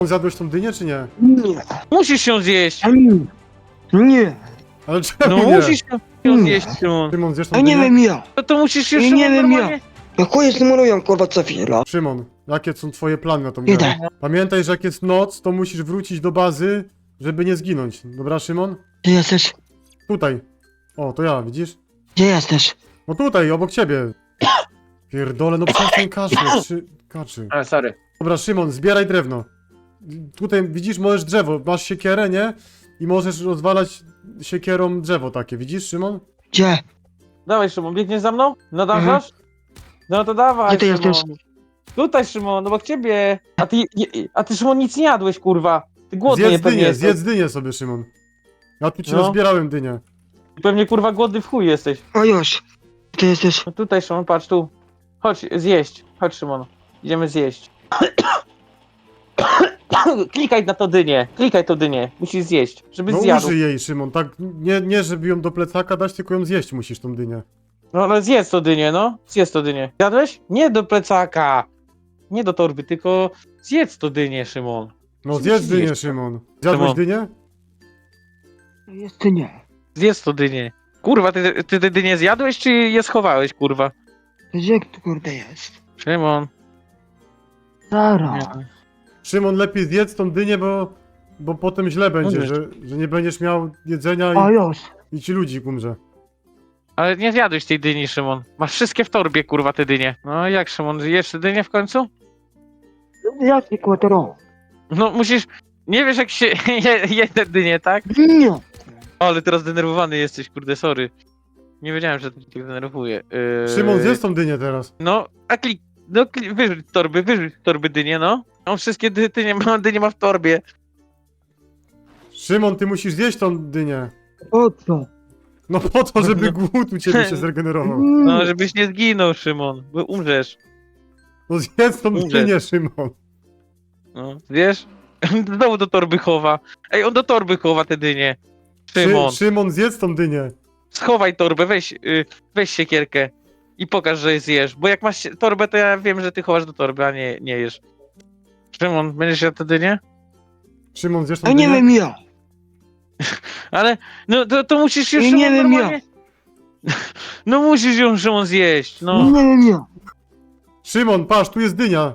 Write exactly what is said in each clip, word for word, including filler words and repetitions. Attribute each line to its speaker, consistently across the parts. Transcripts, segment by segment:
Speaker 1: Zjadłeś tą dynię, czy nie?
Speaker 2: Nie.
Speaker 3: Musisz ją zjeść!
Speaker 2: Ani. Nie.
Speaker 1: Ale czemu
Speaker 3: No
Speaker 1: nie?
Speaker 3: musisz ją zjeść, Szymon.
Speaker 1: Szymon, zjesz tą
Speaker 2: A nie
Speaker 1: dynię?
Speaker 2: wiem ja.
Speaker 3: No to musisz już
Speaker 2: Ja nie
Speaker 3: Szymon,
Speaker 2: wiem, ja.
Speaker 3: normalnie...
Speaker 2: No chuj stymurują kurwa co chwila.
Speaker 1: Szymon, jakie są twoje plany na tą grę?
Speaker 2: Idę.
Speaker 1: Pamiętaj, że jak jest noc, to musisz wrócić do bazy, żeby nie zginąć. Dobra, Szymon?
Speaker 2: Gdzie jesteś?
Speaker 1: Tutaj. O, to ja, widzisz?
Speaker 2: Gdzie jesteś?
Speaker 1: No tutaj, obok ciebie. Pierdole, no przestań kaszleć, czy... kaczy.
Speaker 3: A, sorry.
Speaker 1: Dobra, Szymon, zbieraj drewno. Tutaj, widzisz, możesz drzewo, masz siekierę, nie? I możesz rozwalać siekierą drzewo takie, widzisz, Szymon?
Speaker 2: Gdzie?
Speaker 3: Dawaj, Szymon, biegniesz za mną? Nadążasz? No to dawaj,
Speaker 2: Gdzie ty
Speaker 3: Szymon.
Speaker 2: jesteś?
Speaker 3: Tutaj, Szymon, obok ciebie. A ty, je, a ty, Szymon, nic nie jadłeś, kurwa. Ty głodny
Speaker 1: Zjedz
Speaker 3: pewnie
Speaker 1: dynię,
Speaker 3: jesteś.
Speaker 1: zjedz dynię sobie, Szymon. Ja tu ci
Speaker 3: No.
Speaker 1: rozbierałem dynię.
Speaker 3: Pewnie, kurwa, głodny w chuj jesteś.
Speaker 2: O już. Gdzie jesteś?
Speaker 3: No tutaj, Szymon, patrz tu. Chodź, zjeść. Chodź, Szymon. Idziemy zjeść. Klikaj na to dynię. Klikaj to dynię. Musisz zjeść, żeby
Speaker 1: No
Speaker 3: zjadł.
Speaker 1: użyj jej, Szymon, tak, nie, nie żeby ją do plecaka dać, tylko ją zjeść musisz, tą dynię.
Speaker 3: No ale zjedz to dynię, no. Zjedz to dynię. Zjadłeś? Nie do plecaka. Nie do torby, tylko zjedz to dynię, Szymon.
Speaker 1: No
Speaker 3: Musisz
Speaker 1: zjedz dynię,
Speaker 3: zjeść.
Speaker 1: Szymon. Zjadłeś
Speaker 3: Szymon.
Speaker 1: dynię?
Speaker 2: Jest czy nie?
Speaker 3: Zjedz to dynię. Kurwa, ty, ty te dynię zjadłeś, czy je schowałeś, kurwa?
Speaker 2: Gdzie tu kurde jest?
Speaker 3: Szymon.
Speaker 2: Zaraz.
Speaker 1: Szymon, lepiej zjedz tą dynię, bo, bo potem źle będzie,
Speaker 3: Umrzesz.
Speaker 1: że, że nie będziesz miał jedzenia
Speaker 2: O
Speaker 1: i,
Speaker 2: już.
Speaker 1: i ci ludzi umrze.
Speaker 3: Ale nie zjadłeś tej dyni, Szymon. Masz wszystkie w torbie, kurwa, te dynie. No jak, Szymon, jesz te dynię w końcu?
Speaker 2: Jaki kłotero?
Speaker 3: No musisz... Nie wiesz, jak się je, je te dynie, tak?
Speaker 2: Nie.
Speaker 3: O, ale teraz denerwowany jesteś, kurde, sorry. Nie wiedziałem, że to cię denerwuje. Yy...
Speaker 1: Szymon, zjedz tą dynię teraz.
Speaker 3: No, a klik... No, klik... wyrzuć torby, wyrzuć torby dynie, no. On wszystkie dy, dynie, ma, dynie ma w torbie.
Speaker 1: Szymon, ty musisz zjeść tą dynię.
Speaker 2: O co?
Speaker 1: No po to, żeby głód u ciebie się zregenerował.
Speaker 3: No, żebyś nie zginął, Szymon, bo umrzesz.
Speaker 1: No zjedz tą
Speaker 3: Umrzeć.
Speaker 1: dynię, Szymon.
Speaker 3: No, wiesz? Znowu do torby chowa. Ej, on do torby chowa te dynie.
Speaker 1: Szy,
Speaker 3: Szymon,
Speaker 1: Szymon, zjedz tą dynię.
Speaker 3: schowaj torbę, weź, y, weź siekierkę i pokaż, że zjesz. Bo jak masz sie- torbę, to ja wiem, że ty chowasz do torby, a nie, nie jesz. Szymon, będziesz jadł te dynie?
Speaker 1: Szymon, zjesz tą
Speaker 2: A nie
Speaker 1: dynię?
Speaker 2: wiem ja.
Speaker 3: Ale, no to, to musisz już,
Speaker 2: Nie
Speaker 3: Szymon,
Speaker 2: wiem,
Speaker 3: normalnie... No musisz ją, Szymon, zjeść, no.
Speaker 2: Nie wiem ja.
Speaker 1: Szymon, patrz, tu jest dynia.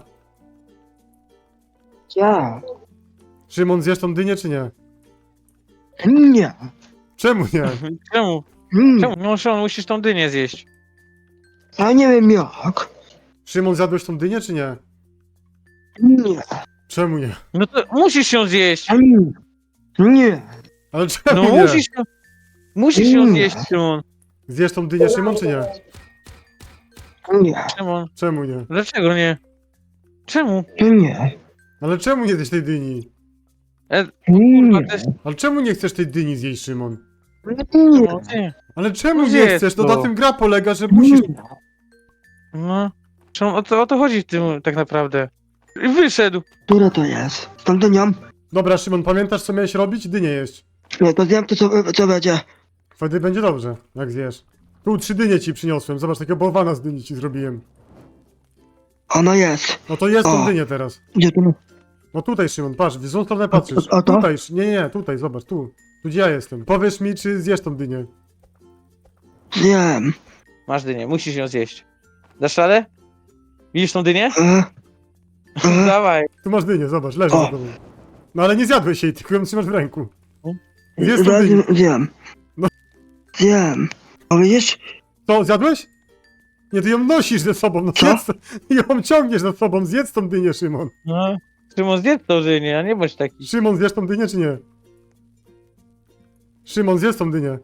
Speaker 2: Ja.
Speaker 1: Szymon, zjesz tą dynię, czy nie?
Speaker 2: Nie.
Speaker 1: Czemu nie?
Speaker 3: Czemu?
Speaker 2: Nie.
Speaker 3: Czemu? No, Szymon, musisz tą dynię zjeść.
Speaker 2: A nie wiem jak.
Speaker 1: Szymon, zjadłeś tą dynię, czy nie?
Speaker 2: Nie.
Speaker 1: Czemu nie?
Speaker 3: No to musisz ją zjeść.
Speaker 2: A nie. Nie.
Speaker 1: Ale czemu
Speaker 3: No
Speaker 1: nie?
Speaker 3: musisz ją... Musisz ją
Speaker 2: Nie.
Speaker 3: zjeść, Szymon.
Speaker 1: Zjesz tą dynię, Szymon, czy nie?
Speaker 2: Nie.
Speaker 3: Szymon,
Speaker 1: Czemu nie?
Speaker 3: dlaczego nie? Czemu?
Speaker 2: Nie.
Speaker 1: Ale czemu nie zjesz tej dyni?
Speaker 3: E,
Speaker 2: Nie.
Speaker 3: to jest...
Speaker 1: Ale czemu nie chcesz tej dyni zjeść, Szymon?
Speaker 2: Nie.
Speaker 3: No, nie.
Speaker 1: Ale czemu
Speaker 3: No
Speaker 1: nie
Speaker 3: zjedz
Speaker 1: chcesz? No
Speaker 3: to.
Speaker 1: na tym gra polega, że musisz...
Speaker 3: No. Szymon, o to, o to chodzi w tym tak naprawdę. I wyszedł.
Speaker 2: Które to jest? Stąd nią?
Speaker 1: Dobra, Szymon, pamiętasz co miałeś robić? Dynię jeść.
Speaker 2: Nie, to zjem to co, co będzie.
Speaker 1: Wtedy będzie dobrze, jak zjesz. Tu trzy dynie ci przyniosłem, zobacz, takiego bałwana z dyni ci zrobiłem.
Speaker 2: Ono jest.
Speaker 1: No to jest tą
Speaker 2: O.
Speaker 1: dynię teraz.
Speaker 2: Gdzie tu?
Speaker 1: No tutaj, Szymon, patrz, w złą stronę patrzysz.
Speaker 2: a to?
Speaker 1: Tutaj, Sz- nie, nie, nie, tutaj, zobacz, tu. Tu gdzie ja jestem. Powiesz mi, czy zjesz tą dynię.
Speaker 2: Zjem.
Speaker 3: Masz dynię, musisz ją zjeść. Dasz radę? Widzisz tą dynię?
Speaker 2: E, e,
Speaker 3: Dawaj.
Speaker 1: Tu masz dynię, zobacz, leży
Speaker 2: O.
Speaker 1: za tobą. No ale nie zjadłeś jej, tylko ją trzymasz w ręku.
Speaker 3: O.
Speaker 1: Zjedz tą
Speaker 2: zjem.
Speaker 1: dynię.
Speaker 2: Zjem.
Speaker 1: No.
Speaker 2: Zjem. O widzisz?
Speaker 1: To, zjadłeś? Nie, ty ją nosisz ze sobą, no
Speaker 2: Co?
Speaker 1: zjedz, ją ciągniesz za sobą, zjedz tą dynię, Szymon.
Speaker 3: No. Szymon, zjedz tą dynię, a nie bądź taki.
Speaker 1: Szymon, zjesz tą dynię, czy nie? Szymon, zjesz tą dynię.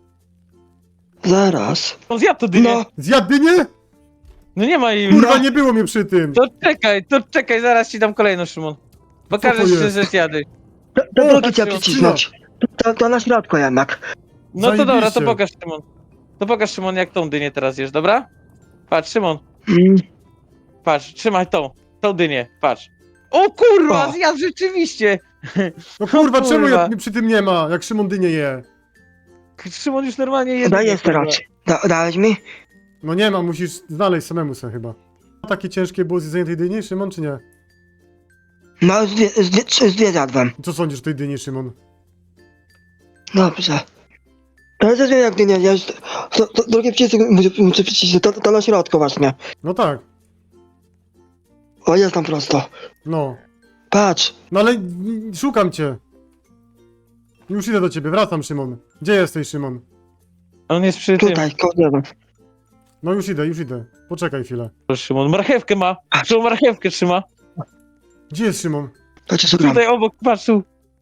Speaker 2: Zaraz.
Speaker 3: On zjadł tą dynię.
Speaker 2: No.
Speaker 1: Zjadł dynię?
Speaker 3: No nie ma jej.
Speaker 1: Kurwa,
Speaker 2: No.
Speaker 1: nie było mnie przy tym.
Speaker 3: To czekaj, to czekaj, zaraz ci dam kolejną, Szymon. Pokażesz
Speaker 1: to
Speaker 3: się,
Speaker 1: jest?
Speaker 3: że zjadłeś.
Speaker 2: To, to
Speaker 1: O,
Speaker 2: drugi trzeba
Speaker 3: patrz,
Speaker 2: przycisnąć. To, to na środku jednak.
Speaker 3: No to dobra, to
Speaker 1: Zajebiście.
Speaker 3: pokaż, Szymon. To pokaż, Szymon, jak tą dynię teraz jesz, dobra? Patrz, Szymon,
Speaker 2: Mm.
Speaker 3: patrz, trzymaj tą, tą dynię, patrz. O kurwa,
Speaker 2: O.
Speaker 3: zjadł rzeczywiście!
Speaker 1: No kurwa, czemu
Speaker 3: kurwa.
Speaker 1: ja, mnie przy tym nie ma, jak Szymon dynię je?
Speaker 3: Szymon już normalnie je.
Speaker 2: Daj
Speaker 3: dynię,
Speaker 2: jeszcze
Speaker 3: kurwa.
Speaker 2: raz. Da, dałeś mi?
Speaker 1: No nie ma, musisz znaleźć samemu sobie chyba. Takie ciężkie było zjedzenie tej dyni, Szymon, czy nie?
Speaker 2: No, z dwie, z dwie, trzy, z dwie zjadłem.
Speaker 1: Co sądzisz o tej dyni, Szymon?
Speaker 2: Dobrze. Ale to wiem jak ty nie, ja już... To, to, drugie przycisk muszę, muszę przycisnąć, to, to na środku właśnie.
Speaker 1: No tak,
Speaker 2: O, jest tam prosto.
Speaker 1: no.
Speaker 2: Patrz.
Speaker 1: No ale mm, szukam cię. Już idę do ciebie, wracam, Szymon. Gdzie jesteś, Szymon?
Speaker 3: On jest przy tym.
Speaker 2: Tutaj, koło drzewa.
Speaker 1: No już idę, już idę. Poczekaj chwilę.
Speaker 3: Szymon, marchewkę ma. Szymon marchewkę trzyma.
Speaker 1: Gdzie jest Szymon?
Speaker 2: Patrz, co gram.
Speaker 3: Tutaj obok, patrz tu.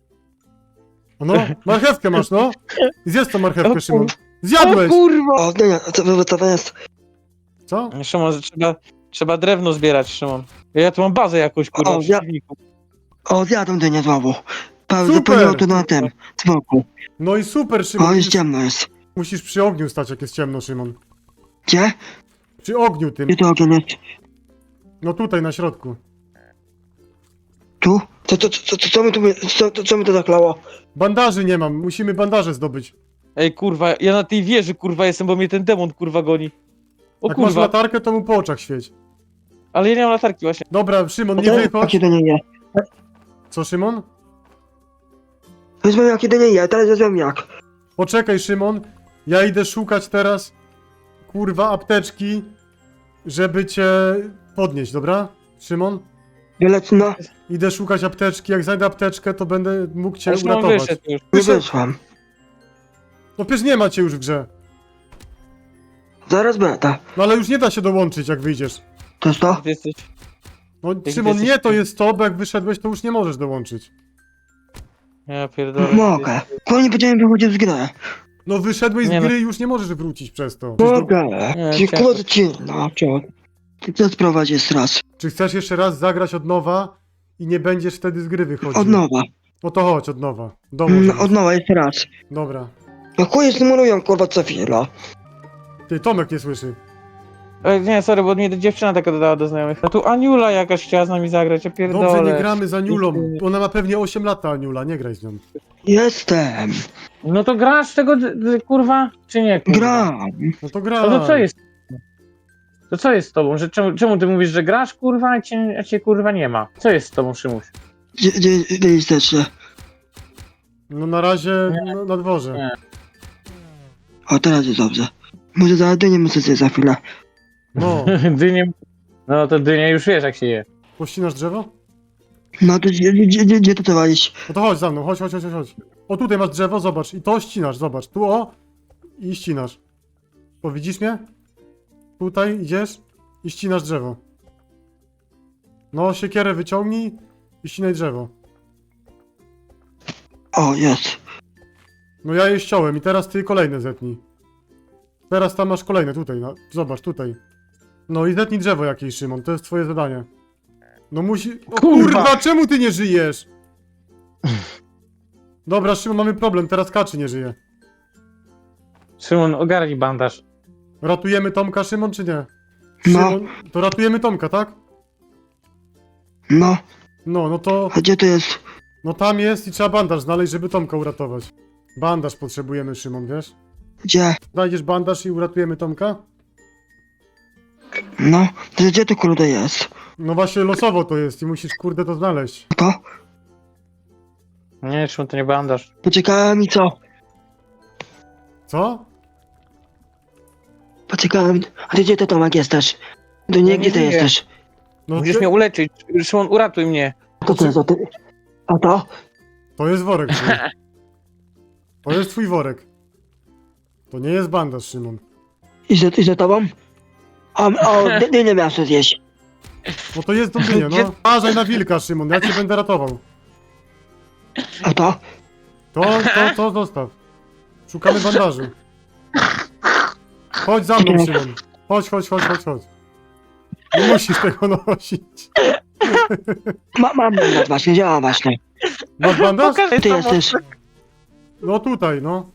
Speaker 1: No, marchewkę masz, no. I zjedz tą
Speaker 3: O
Speaker 1: marchewkę,
Speaker 3: kur-
Speaker 1: Szymon.
Speaker 3: O
Speaker 1: Zjadłeś!
Speaker 3: kurwa!
Speaker 2: O, nie, nie, co, co to jest?
Speaker 1: Co?
Speaker 3: Szymon, że trzeba, trzeba drewno zbierać, Szymon. Ja tu mam bazę jakąś, kurwa,
Speaker 2: O,
Speaker 3: w
Speaker 2: ja-
Speaker 3: silniku.
Speaker 2: O, zjadłem dynię znowu. Paweł,
Speaker 1: Super!
Speaker 2: zapomniał to na tym, z boku.
Speaker 1: No i super,
Speaker 2: O,
Speaker 1: Szymon.
Speaker 2: jest
Speaker 1: Musisz,
Speaker 2: ciemno jest.
Speaker 1: musisz przy ogniu stać, jak jest ciemno, Szymon.
Speaker 2: Gdzie?
Speaker 1: Przy ogniu tym.
Speaker 2: Gdzie to ogień jest?
Speaker 1: No tutaj, na środku.
Speaker 2: Tu? Co, co, co, co, co mi tu, co, co, co mi to zaklało?
Speaker 1: Bandaży nie mam, musimy bandaże zdobyć.
Speaker 3: Ej, kurwa, ja na tej wieży, kurwa, jestem, bo mnie ten demon, kurwa, goni. O
Speaker 1: Jak masz
Speaker 3: kurwa,
Speaker 1: latarkę, to mu po oczach świeć.
Speaker 3: ale ja nie mam latarki właśnie.
Speaker 1: Dobra, Szymon, nie
Speaker 2: To-
Speaker 1: wychodź.
Speaker 2: Jakie to nie je?
Speaker 1: Co, Szymon?
Speaker 2: Wezmę jakie to nie je, teraz wezmę jak.
Speaker 1: Poczekaj, Szymon. Ja idę szukać teraz, kurwa, apteczki, żeby cię podnieść, dobra? Szymon?
Speaker 2: Wielec, no,
Speaker 1: Idę szukać apteczki. Jak znajdę apteczkę, to będę mógł cię
Speaker 3: Ja Szymon
Speaker 1: uratować.
Speaker 3: wyszedł już.
Speaker 2: nie
Speaker 1: Wyszedł.
Speaker 2: wyszłam.
Speaker 1: No przecież nie ma cię już w grze.
Speaker 2: Zaraz będę.
Speaker 1: No ale już nie da się dołączyć, jak wyjdziesz.
Speaker 2: To jest to?
Speaker 3: Ty jesteś...
Speaker 1: No
Speaker 3: ty
Speaker 1: Szymon,
Speaker 3: jesteś-
Speaker 1: nie to jest to, bo jak wyszedłeś, to już nie możesz dołączyć.
Speaker 3: Ja pierdolę.
Speaker 2: Mogę. Bo nie będziemy wychodzić z gry.
Speaker 1: No wyszedłeś
Speaker 3: Nie
Speaker 1: z
Speaker 3: no.
Speaker 1: gry i już nie możesz wrócić przez to. Przecież to-
Speaker 2: Mogę.
Speaker 3: Nie,
Speaker 2: Dziękuję ci. No, co? Ty co sprowadzisz raz?
Speaker 1: Czy chcesz jeszcze raz zagrać od nowa i nie będziesz wtedy z gry wychodził?
Speaker 2: Od nowa.
Speaker 1: No to chodź, od nowa. Domu.
Speaker 2: Mm, od nowa, jeszcze raz.
Speaker 1: Dobra.
Speaker 2: No chuje stymurują, kurwa, co chwila.
Speaker 1: Ty, Tomek nie słyszy.
Speaker 3: Ej, nie, sorry, bo mnie dziewczyna taka dodała do znajomych. A tu Aniula jakaś chciała z nami zagrać, ja pierdolę.
Speaker 1: Dobrze, nie gramy za Aniulą. Ona ma pewnie osiem lat, ta Aniula, nie graj z nią.
Speaker 2: Jestem.
Speaker 3: No to grasz tego, d- d- kurwa, czy nie, kurwa?
Speaker 2: Gram.
Speaker 1: No to gra.
Speaker 3: No to co jest? To co jest z tobą? Że czemu, czemu ty mówisz, że grasz, kurwa, a cię, a cię kurwa nie ma? Co jest z tobą, Szymuś?
Speaker 2: Gdzie, gdzie, gdzie jesteście?
Speaker 1: No na razie
Speaker 3: Nie.
Speaker 1: na, na dworze.
Speaker 3: Nie.
Speaker 2: O, teraz jest dobrze. Może za dynię muszę zjeść za chwilę.
Speaker 1: No,
Speaker 3: Dynię... No to dynię już wiesz, jak się je.
Speaker 1: pościnasz drzewo?
Speaker 2: No to gdzie, gdzie, gdzie, gdzie to trzeba iść?
Speaker 1: No to chodź za mną, chodź, chodź, chodź, chodź. O, tutaj masz drzewo, zobacz. I to ścinasz, zobacz. Tu o i ścinasz. To widzisz mnie? Tutaj idziesz i ścinasz drzewo. No, siekierę wyciągnij i ścinaj drzewo.
Speaker 2: O, jest.
Speaker 1: No ja je ściąłem i teraz ty kolejne zetnij. Teraz tam masz kolejne, tutaj, no. Zobacz, tutaj. No i zetnij drzewo jakieś, Szymon, to jest twoje zadanie. No musi... O
Speaker 3: Kurwa!
Speaker 1: kurwa, czemu ty nie żyjesz? Dobra, Szymon, mamy problem, teraz Kaczy nie żyje.
Speaker 3: Szymon, ogarnij bandaż.
Speaker 1: Ratujemy Tomka, Szymon, czy nie?
Speaker 2: No.
Speaker 1: Szymon, to ratujemy Tomka, tak?
Speaker 2: No,
Speaker 1: No, no to...
Speaker 2: a gdzie to jest?
Speaker 1: No tam jest i trzeba bandaż znaleźć, żeby Tomka uratować. Bandaż potrzebujemy, Szymon, wiesz?
Speaker 2: Gdzie?
Speaker 1: Znajdziesz bandaż i uratujemy Tomka?
Speaker 2: No, to gdzie to kurde jest?
Speaker 1: No właśnie losowo to jest i musisz, kurde, to znaleźć.
Speaker 2: To?
Speaker 3: Nie, Szymon, to nie bandaż.
Speaker 2: Poczekałem i co?
Speaker 1: Co?
Speaker 2: Poczekałem. A ty gdzie ty, Tomek, jesteś? To
Speaker 3: Ja
Speaker 2: nie,
Speaker 3: nie
Speaker 2: gdzie ty
Speaker 3: żyję.
Speaker 2: jesteś?
Speaker 1: No
Speaker 3: Musisz
Speaker 1: ty-
Speaker 3: mnie uleczyć. Szymon, uratuj mnie.
Speaker 2: To co jest, a ty? A to?
Speaker 1: To jest worek twój. To jest twój worek. To nie jest bandaż, Szymon.
Speaker 2: I za, i za tobą? O, o, ty, ty nie miałeś co zjeść.
Speaker 1: No to jest do dynia, no. Uważaj na wilka, Szymon, ja cię będę ratował.
Speaker 2: A to?
Speaker 1: To, to, to zostaw. Szukamy bandaży. Chodź za mną, Szymon. Chodź, chodź, chodź, chodź, chodź. Nie musisz tego nosić.
Speaker 2: Ma, mam mandat właśnie, działa właśnie.
Speaker 1: Masz bandaż?
Speaker 3: Pokażę
Speaker 2: Ty
Speaker 3: to,
Speaker 2: jesteś.
Speaker 1: No tutaj, no.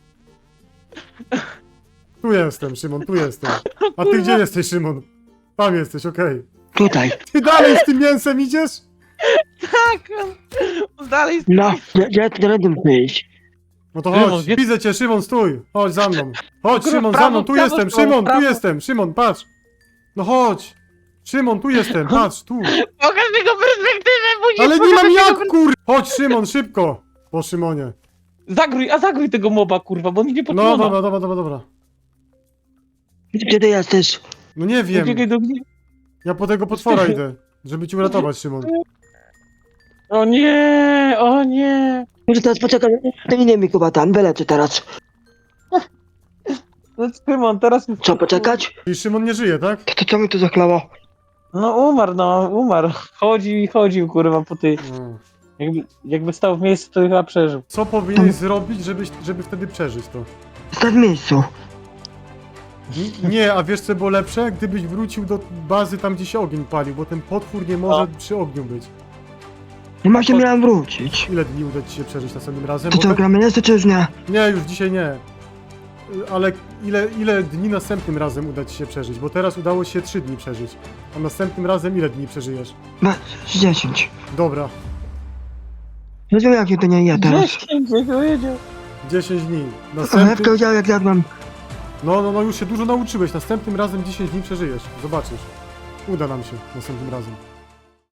Speaker 1: Tu jestem, Szymon, tu jestem. A ty gdzie jesteś, Szymon? Tam jesteś, okej.
Speaker 2: Tutaj.
Speaker 1: Ty dalej z tym mięsem idziesz?
Speaker 3: Tak, on dalej...
Speaker 2: No, gdzie, gdzie ty rady muszę iść?
Speaker 1: No to
Speaker 3: Szymon,
Speaker 1: chodź,
Speaker 3: gdzie-
Speaker 1: widzę cię, Szymon, stój. Chodź za mną. Chodź,
Speaker 3: Kurwa,
Speaker 1: Szymon, za
Speaker 3: prawo,
Speaker 1: mną, tu
Speaker 3: prawo,
Speaker 1: jestem,
Speaker 3: prawo,
Speaker 1: Szymon, tu
Speaker 3: prawo.
Speaker 1: jestem, Szymon, patrz. No chodź. Szymon, tu jestem, patrz, tu.
Speaker 3: Pokaż jego perspektywę, bo
Speaker 1: Ale nie
Speaker 3: pokaż
Speaker 1: mam
Speaker 3: jego
Speaker 1: jak,
Speaker 3: per-
Speaker 1: kur... Chodź, Szymon, szybko. Po Szymonie.
Speaker 3: Zagrój, a zagrój tego moba, kurwa, bo on idzie po
Speaker 1: No,
Speaker 3: Szymona.
Speaker 1: dobra, dobra, dobra, dobra.
Speaker 2: Gdzie ty jesteś?
Speaker 1: No nie wiem,
Speaker 3: Uciekaj do mnie.
Speaker 1: ja po tego potwora idę, żeby cię uratować, Szymon.
Speaker 3: O nie, o nie.
Speaker 2: Może teraz poczekaj, to nie mi chyba tam, wyleczę teraz.
Speaker 3: No Szymon, teraz...
Speaker 2: Co, poczekać?
Speaker 1: I Szymon nie żyje, tak?
Speaker 2: To, to co mi tu zachlało?
Speaker 3: No umarł, no, umarł. Chodził i chodził, kurwa, po tej...
Speaker 1: No.
Speaker 3: Jakby, jakby stał w miejscu, to chyba przeżył.
Speaker 1: Co powinieneś zrobić, żeby, żeby wtedy przeżyć to?
Speaker 2: Stań w miejscu.
Speaker 1: N- Nie, a wiesz co było lepsze? Gdybyś wrócił do bazy tam, gdzie się ogień palił, bo ten potwór nie może
Speaker 3: No.
Speaker 1: przy ogniu być.
Speaker 2: No właśnie miałem wrócić.
Speaker 1: Ile dni uda ci się przeżyć następnym razem?
Speaker 2: To
Speaker 1: Bo
Speaker 2: co,
Speaker 1: te-
Speaker 2: gramy jeszcze czy już nie?
Speaker 1: Nie, już dzisiaj nie. Y, Ale ile, ile dni następnym razem uda ci się przeżyć? Bo teraz udało się trzy dni przeżyć. A następnym razem ile dni przeżyjesz?
Speaker 2: No, z dziesięć.
Speaker 1: Dobra,
Speaker 2: Nie wiem jak to nie je teraz.
Speaker 3: Dziesięć, jak powiedział.
Speaker 1: dziesięć dni.
Speaker 2: Ale
Speaker 1: Następny...
Speaker 2: powiedział jak jadłem.
Speaker 1: No, no, no, już się dużo nauczyłeś. Następnym razem dziesięć dni przeżyjesz. Zobaczysz. Uda nam się następnym razem.